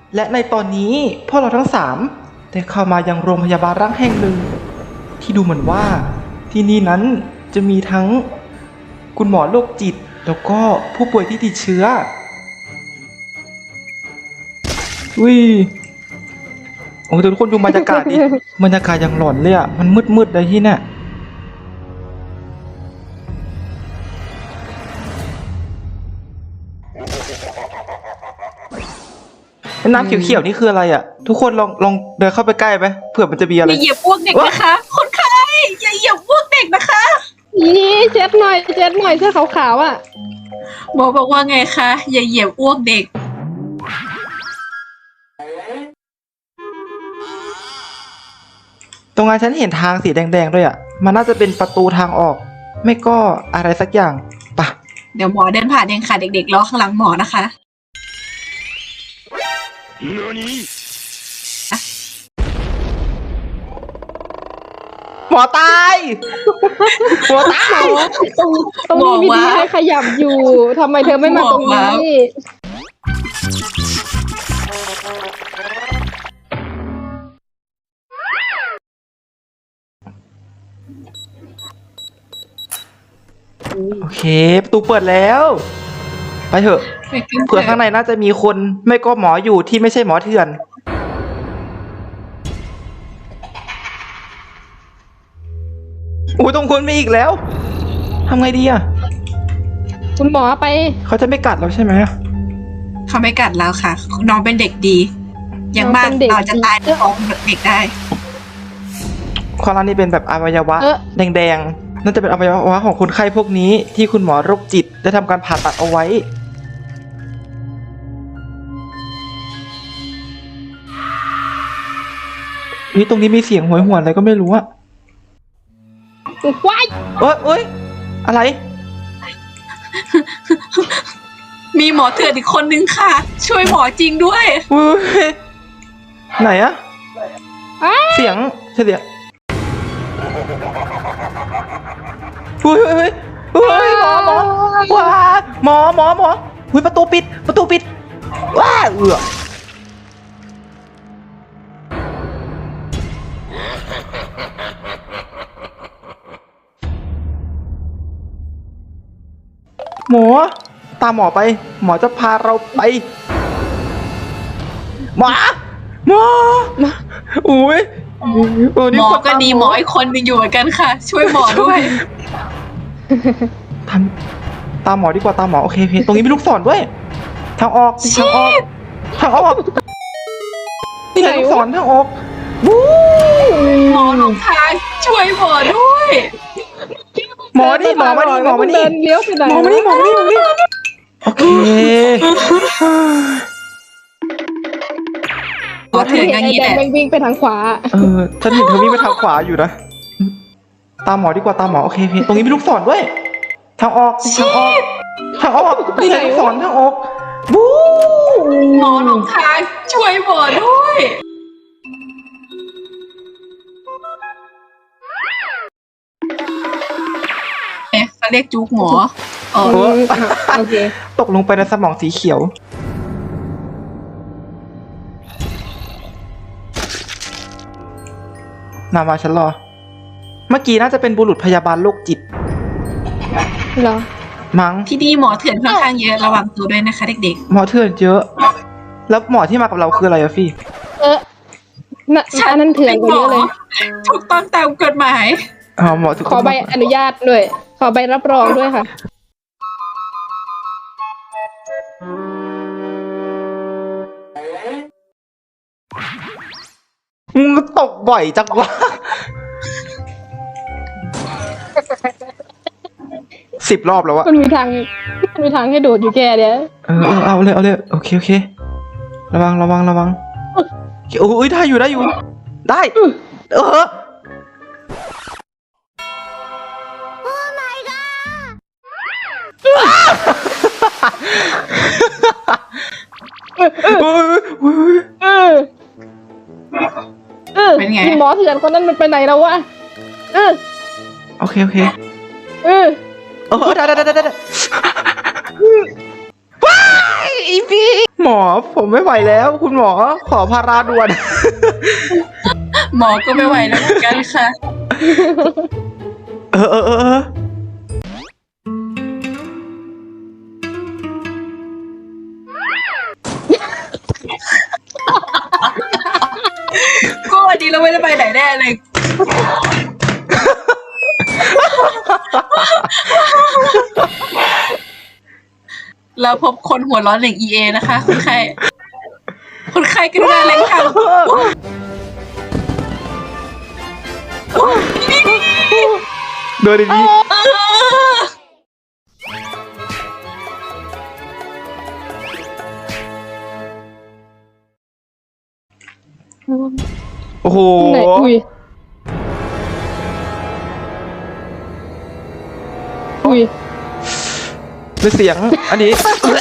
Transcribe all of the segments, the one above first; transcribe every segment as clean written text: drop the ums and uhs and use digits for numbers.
และในตอนนี้พวกเราทั้ง3ได้เข้ามายังโรงพยาบาลร้างแห่งหนึ่งที่ดูเหมือนว่าที่นี่นั้นจะมีทั้งคุณหมอโรคจิตแล้วก็ผู้ป่วยที่ติดเชื้ออุ้ยโอ้ทุกคนดูบรรยากาศดิ บรรยากาศอย่างหลอนเลยอ่ะมันมืดๆเลยที่เนี่ยน้ำเขียวๆนี่คืออะไรอ่ะทุกคนลองเดินเข้าไปใกล้ไหมเผื่อมันจะมีอะไรอย่าเหยียบอ้วกเด็กนะคะ คนไข้อย่าเหยียบอ้วกเด็กนะคะนี่เช็ดหน่อยเสื้อขาวๆอ่ะหมอบอกว่าไงคะอย่าเหยียบอ้วกเด็กตรงนั้นฉันเห็นทางสีแดงๆด้วยอ่ะมันน่าจะเป็นประตูทางออกไม่ก็อะไรสักอย่างปะเดี๋ยวหมอเดินผ่านเองค่ะเด็กๆรอข้างหลังหมอนะคะหมอตายหมอตายตรงนี้มีที่ให้ขยับอยู่ทำไมเธอไม่มาตรงนี้โอเคประตูเปิดแล้วไปเถอะเผื่อข้างในน่าจะมีคนไม่ก็หมออยู่ที่ไม่ใช่หมอเถื่อนโอ้ยตรงคนไปอีกแล้วทำไงดีอ่ะคุณหมอไปเขาจะไม่กัดเราใช่ไหมเขาไม่กัดเราค่ะ น้องเป็นเด็กดี อย่างมากเราจะตายในท้องเด็กได้ข้อล่างนี่เป็นแบบอวัยวะ แดงๆน่าจะเป็นอวัยวะของคนไข้พวกนี้ที่คุณหมอโรคจิตได้ทำการผ่าตัดเอาไว้นี่ตรงนี้มีเสียงโหยหวนอะไรก็ไม่รู้อะว้ายเอ้ยอะไรมีหมอเถื่อนอีกคนนึงค่ะ ช่วยหมอจริงด้วยอุ้ยไหนอะเสียงอุ้ยหมอว้าหมออุ้ยประตูปิดว้าหมอตามหมอไปหมอจะพาเราไปหมออุ้ยหมอก็ดีหมออีกคนนึงอยู่เหมือนกันค่ะ ช่วยหมอด้วยตามหมอดีกว่าตามหมอโอเคตรงนี้มีลูกศรด้วยทางออกนี่ไงลูกศรทางออกวู้หมอหลงทางช่วยหมอด้วยหมอมานี่เดินเลี้ยวไปไหนหมอมานี่โอเคหมอเถื่อนอย่างนี้แหละแดงวิ่งไปทางขวาฉันเห็นเธอวิ่งไปทางขวาอยู่นะตามหมอดีกว่าตามหมอโอเคตรงนี้มีลูกศรด้วยทางออกนี่ไงลูกศรทางออกวู้หมอหลงทางช่วยหมอด้วยเขาเรียกจุกหมออ๋อโอเคตกลงไปในสมองสีเขียวมาฉันรอเมื่อกี้น่าจะเป็นบุรุษพยาบาลโรคจิตเหรอมั้งที่นี่หมอเถื่อนค่อนข้างเยอะระวังตัวด้วยนะคะเด็กหมอเถื่อนเยอะ แล้วหมอที่มากับเราคืออะไรอะฟี่อันนั้นเถื่อนกว่าเยอะเลยถูกต้องตามกฎหมายหมอทุกขคอน ใบอนุญาตด้วย ขอใบรับรองด้วยค่ะมึงตกบ่อยจังวะ 10 รอบแล้วอะมันมีทางให้โดดอยู่แกเดี๋ยวเอาเลยโอเคระวังโอ้ยได้อยู่ได้เป็นไงหมอเถื่อนคนนั้นมันไปไหนแล้ววะโอเคได้ว้ายอีพี่หมอผมไม่ไหวแล้ว คุณหมอขอพาราด่วนหมอก็ไม่ไหวแล้วเหมือนกันค่ะเออก็วันนี้เราไม่ได้ไปไหนแน่เลย เราพบคนหัวร้อนหนึ่ง EA นะคะคนไข้กรุณาเล็งทางโดยดีโอ้โหไหนอุ้ยเป็นเสียงอันนี้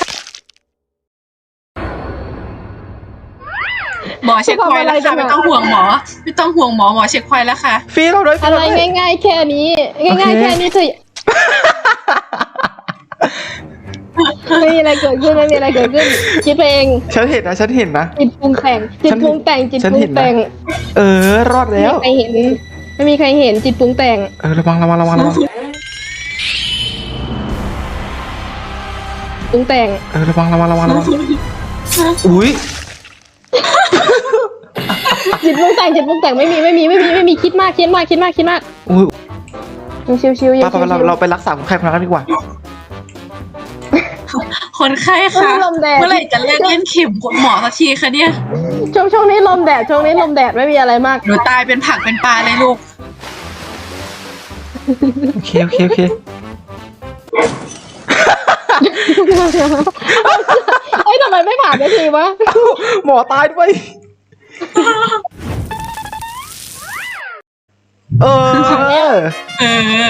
หมอเช็คพอยต์แล้วค่ะไม่ต้องห่วงหมอ หมอเช็คพอยต์แล้วค่ะฟรีเราด้วยอะไรง่ายๆแค่นี้ ง่ายๆแค่นี้เธอไม่มีอะไรเกิดขึ้นคิดไปเองฉันเห็นนะจิตปรุงแต่งรอดแล้วไม่มีใครเห็นจิตปรุงแต่งระวังปรุงแต่งระวังอุ้ยจิตปรุงแต่งไม่มีคิดมากอุ้ยชิวๆป้าเราไปรักษาคนไข้คนนั้นดีกว่าคนไข้ค่ะเมื่อไหร่จะเล่นเข็มหมอสักทีคะเนี่ยช่วงนี้ลมแดดไม่มีอะไรมากหนูตายเป็นผักเป็นปลาเลยลูกโอเคเอ้ยทำไมไม่ผ่านได้ทีวะหมอตายด้วย เออ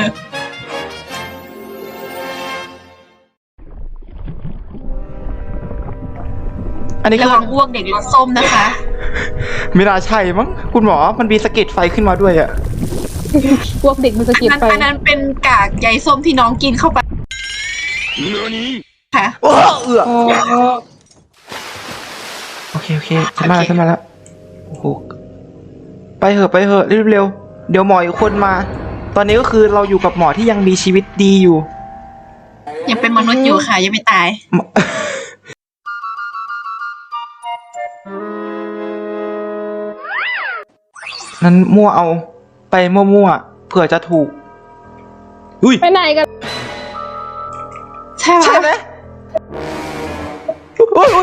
อันนี้ระวังอ้วกเด็กรสส้มนะคะไม่น่าใช่มั้งคุณหมอมันมีสะเก็ดไฟขึ้นมาด้วยอะพวกเด็กมันสะกิดไปอันนั้นเป็นกากใยส้มที่น้องกินเข้าไปค่ะโอเคขึ้นมาแล้วโอ้โหไปเหอะเร็วเดี๋ยวหมออีกคนมา ตอนนี้ก็คือเราอยู่กับหมอที่ยังมีชีวิตดีอยู่ยังเป็นมนุษย์อยู่ค่ะยังไม่ตายนั้นมั่วเอาไปมั่วเผื่อจะถูกอุ้ยไปไหนกันใช่ใช่ไหมอุ้ย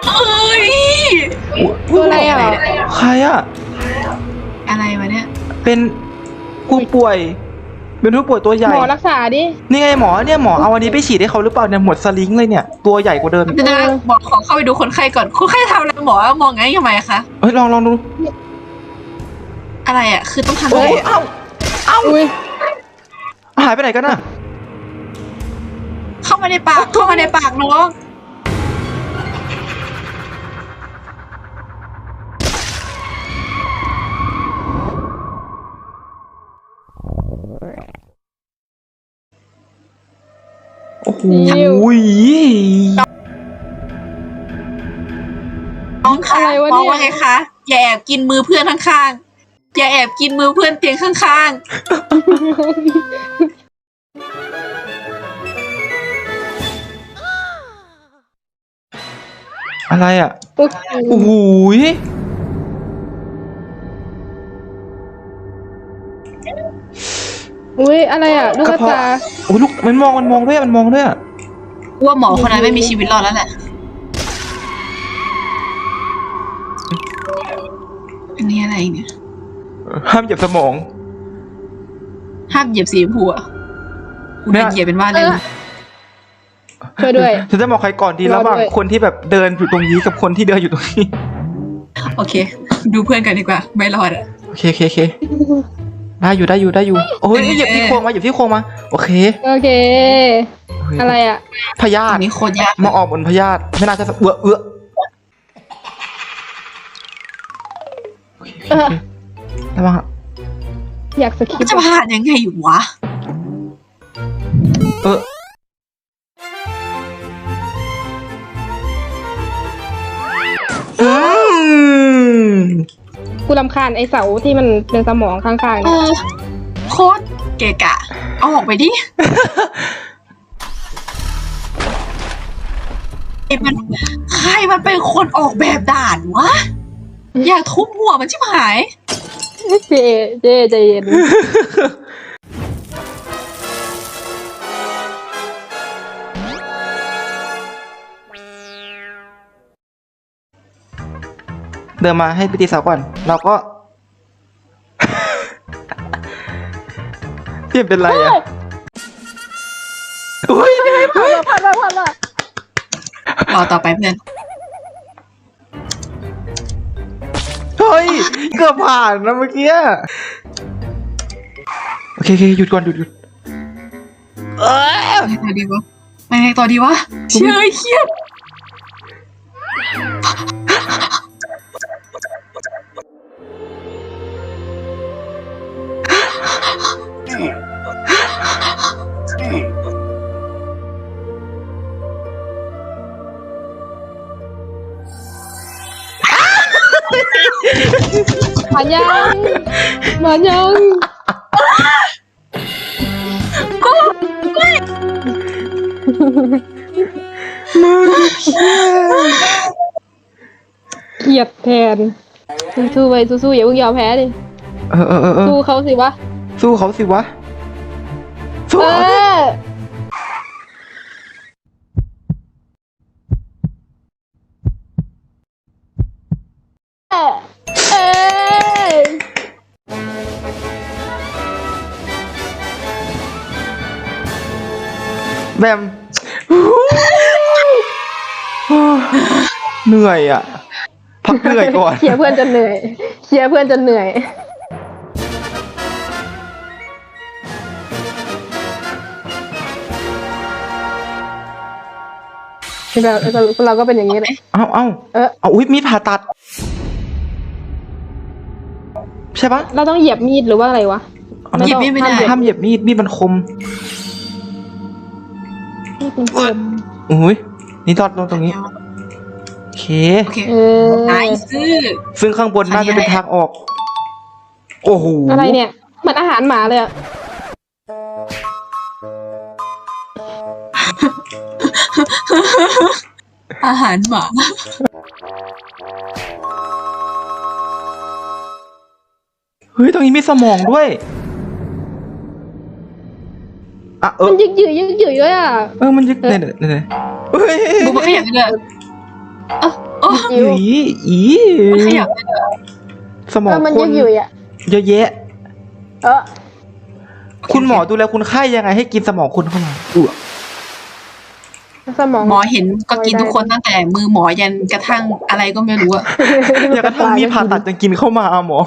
ตัวอะไรอ่ะใครอะอะไรวะเนี่ยเป็นผู้ป่วยตัวใหญ่หมอรักษาดินี่ไงหมอเอาอันนี้ไปฉีดให้เขาหรือเปล่าเนี่ยหมดสลิงเลยเนี่ยตัวใหญ่กว่าเดิมจะบอกขอเข้าไปดูคนไข้ก่อนคนไข้ทำอะไรหมอมองงั้นทำไมคะเฮ้ยลองดูอะไรอ่ะคือต้องทำอะไรเอ้าอุ้ยหายไปไหนกันน่ะเข้ามาในปากน้องโอ้โหน้องคะมองว่าไงคะอย่าแอบกินมือเพื่อนข้างๆอย่าแอบกินมือเพื่อนเตียงข้างๆอะไรอ่ะโอ้โหอุ้ยอะไรอ่ะลูกกระตาโอ้ลูกมันมองด้วยอ่ะว่าหมอคนนั้นไม่มีชีวิตรอดแล้วแหละอันนี้อะไรเนี่ยห้ามเหยียบสมองห้ามเหยียบสีชมพูอ่ะกูโดนเหยียบเป็นว่าเลยช่วยด้วยฉันจะบอกใครก่อนดีระหว่างคนที่แบบเดินอยู่ตรงนี้กับคนที่เดินอยู่ตรงนี้โอเค ดูเพื่อนกันดีกว่าไม่รอดอ่ะโอเคได้อยู่โอ้ยเหยียบที่โครงมาโอเคอะไรอ่ะพยาอัธินนี้โคตรยากมาออกบนพยาธิไม่น่าจะโอเคระวังอยากสคิปจะผ่านยังไงวะกูรำคาญไอเสาที่มันเป็นสมองข้างๆเอเนี่ยอโคตรเกะกะ เอาออกไปดิใครมันเป็นคนออกแบบด่านวะ อยากทุบหัวมันชิบหายเจใจเย็นเดินมาให้ไปตีเสาก่อน เราก็ เปลี่ยนเป็นไรอ่ะอุ้ยผ่านละรอต่อไปเพื่อนเฮ้ยเกือบผ่านนะเมื่อกี้โอเคหยุดก่อนหยุดเออไปไงต่อดีวะไปไงต่อดีวะเชื่อเครียดผ่านยังเกลียดแทนสู้ไปสู้อย่าเพิ่งยอมแพ้ดิเออสู้เขาสิวะสู้เขาสิวะสู้เอเขาสิอเออแบมเหนื่อยอ่ะ พักเหนื่อยก่อนเคลียร์เพื่อนจนเหนื่อยเราก็เป็นอย่างนี้แหละเอ้า เอาอุ๊ยมีดผ่าตัด ใช่ปะเราต้องเหยียบมีดหรือว่าอะไรวะหยิบไม่ได้ห้ามเหยียบมีดมันคมมีดมันคมอุ้ยนี่รอดตรงนี้ โอเคโอเคเออนายซื้อซึ่งข้างบนน่าจะเป็นทางออก โอ้โหอะไรเนี่ยเหมือนอาหารหมาเลยอะอาหารหมาเฮ้ย ตรงนี้มีสมองด้วย อ่ะมันยึกยือด้วยอ่ะมันยึกเนี่ยเฮ้ยดูมันขยับเลยโอ้ยิวอีมันขยับเลยสมองมันคยึนกยืออ่ะเยอะแยะเออคุณหมอดูแลคนไข้ยังไงให้กินสมองคุณเข้ามาสมองหมอเห็นก็กินทุกคนตั้งแต่มือหมอยันกระทั่งอะไรก็ไม่รู้อะอย่ากระทั่งมีดผ่าตัดยังกินเข้ามาหมอ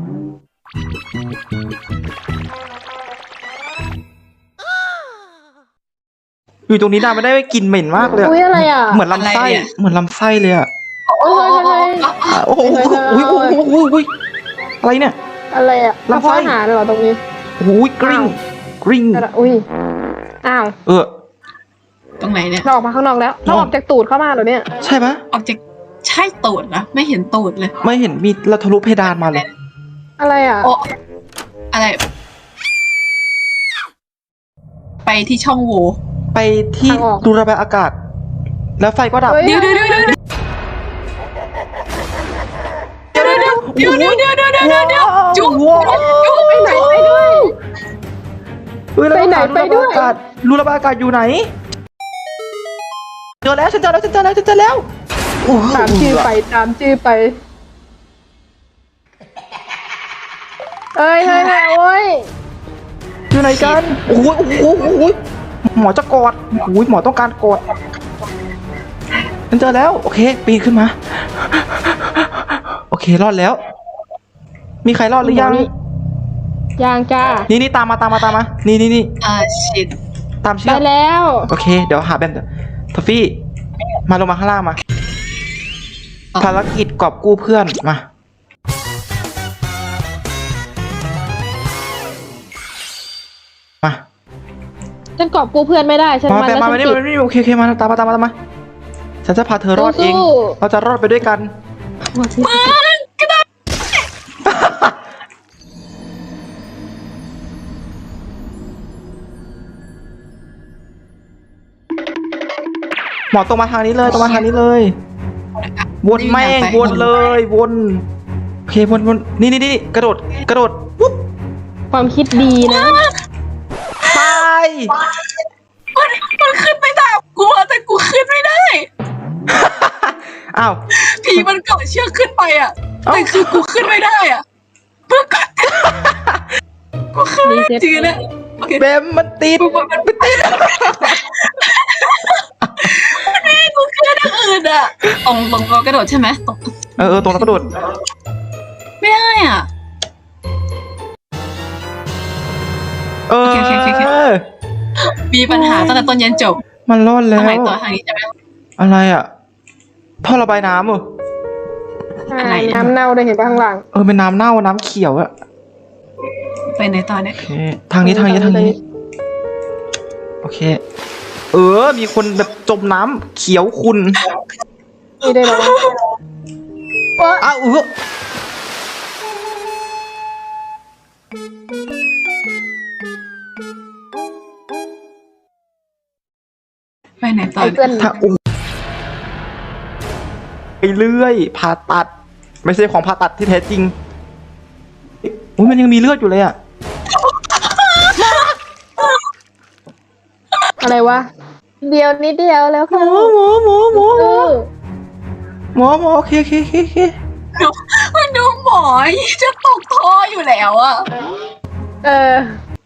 อยู่ตรงนี้นานไม่ได้กลินเหม็นมากเลยอะอุ้ยอะไรอ่ะเหมือนลำไส้เลยอะโอ้ยโอ้โหอุ้ยอะไรเนี่ยอะไรอ่ะลำไส้อาหารเหรอตรงนี้อุ้ยกริ๊งอุ้ยอ้าวตรงไหนเนี่ยเราออกมาข้างนอกแล้วเราออกจากตูดเข้ามาเหรอเนี่ยใช่ปะออกจากใช่ตูดนะไม่เห็นตูดเลยไม่เห็นมีเราทะลุเพดานมาเลยอะไรอ่ะโอ้อะไร ไปที่ช่องโหว่ไปที่รูระบายอากาศ แล้วไฟก็ดับเดี๋ยวจุ๊บไปไหนไปด้วยไปไหนไปด้วยรูระบายอากาศอยู่ไหนเจอแล้วฉันเจอแล้วตามชื่อไปเอ้ยโอ้ยอยู่ไหนกันโอ้ยหมอจะกอดโอ้ยหมอต้องการกอดฉันเจอแล้วโอเคปีนขึ้นมาโอเครอดแล้ว มีใครรอดหรือยังยังจ้านี่ตามมานี่ชิดตามเชืไปอกแล้วโอเคเดี๋ยวหาแบมทอฟฟี่มาลงมาข้างล่างมาภารกิจกอบกู้เพื่อนมาฉันกอบกู้เพื่อนไม่ได้ฉันมามาแบมแล้วมาฉันไม่ติดโอเคมาตามมาฉันจะพาเธอรอดเองสู้เราจะรอดไปด้วยกันหมดที่มึงกระโดดหมอตรงมาทางนี้เลยตรงมาทางนี้เลย วนแม่งวนเลยวนโอเควนนี่กระโดดปุ๊บความคิดดีนะตายมันขึ้นไปตามกูอะแต่กูขึ้นไม่ได้อ้าวผีมันเกาะเชือกขึ้นไปอ่ะเอ้าแต่คือกูขึ้นไม่ได้อ่ะเพื่อกัดกูขึ้นไม่ได้จริงๆนะโอเคเบมมันติดมันไม่ติดนี่กูขึ้นทางอื่นอ่ะตรงเรากระโดดใช่ไหมตรงตรงแล้วกระโดดไม่ได้อ่ะโอเค มีปัญหาตั้งแต่ต้นยันจบมันรอดแล้ทางไหนวต่อทางนี้ใช่ไหมอะไรอ่ะท่อระบายน้ำเหรออะไรอะน้ำเน่าได้เห็นปะข้างหลังเป็นน้ำเน่าน้ำเขียวอะไปไหนต่อเนี่ยโอเคทางนี้โอเค มีคนแบบจมน้ำเขียวขุ่นนี่ได้แล้ววะอ้าวไปไหนต่อไอ้เนี่ยเพื่อนถ้าไปเรื่อยผ่าตัด ไม่ใช่ของผ่าตัดที่แท้จริงมันยังมีเลือดอยู่เลยอะอะไรวะเดียวนิดเดียวแล้วหมค่ะอหมอหมอหมอเออหมอโอเคมันดูหมอจะตกท่ออยู่แล้วอ่ะเออ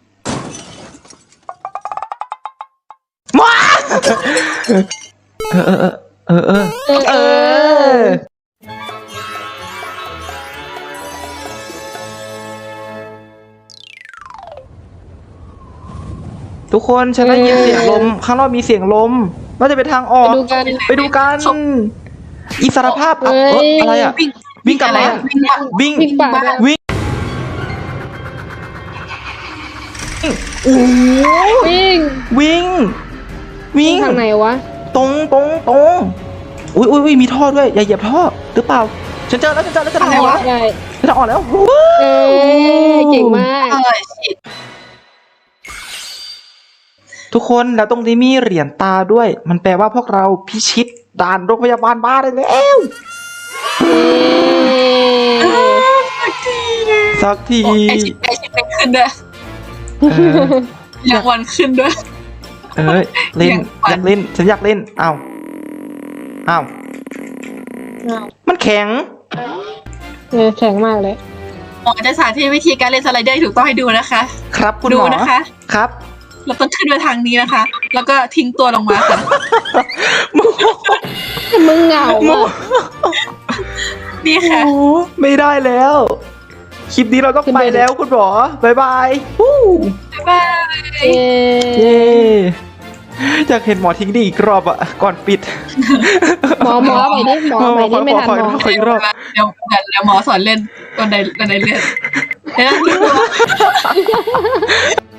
หมอเออทุกคนฉันได้ยินเสียงลม ข้างนอกมีเสียงลมน่าจะเป็นทางออก ไปดูกัน อิสรภาพอะไรอ่ะ วิ่งกลับมา วิ่งวิ่งป่าด้วยวิ่งโอ้วิ่งวิ่ง วิ่งทางไหนวะตรงอุ้ยมีท่อด้วย อย่าเหยียบท่อหรือเปล่า ฉันเจอแล้วจะทางออกแล้วได้จะทางออกแล้วเอ้ยเก่งมากชิดทุกคนแล้วตรงนี้มีเหรียญตาด้วย มันแปลว่าพวกเราพิชิตด่านโรงพยาบาลบ้าได้แล้ว สักทีไอชิดเป็นขึ้นด้วยเออรางวัลขึ้นด้วยเล่นอย่างฝันอยากเล่น ฉันอยากเล่นอ้าวมันแข็งแข็งมากเลยหมอจะสาธิตวิธีการเล่นสไลเดอร์ถูกต้องให้ดูนะคะครับคุณดูหมอนะคะครับเราต้องขึ้นไปทางนี้นะคะ แล้วก็ทิ้งตัวลงมาค่ะมึงเหงาอ่ะนี่ค่ะโอ้ไม่ได้แล้ว คลิปนี้เราต้องขึ้นไปไปแล้วคุณหมอ บ๊ายบายวู้บ๊ายบายเย้เย้อยากเห็นหมอทิ้งดีอีกรอบอะก่อนปิดหมอไปดิหมอไปดิไม่ทันหมอขออีกรอบเดี๋ยวหมอสอนเล่นบันไดเลื่อนเดี๋ยวนะ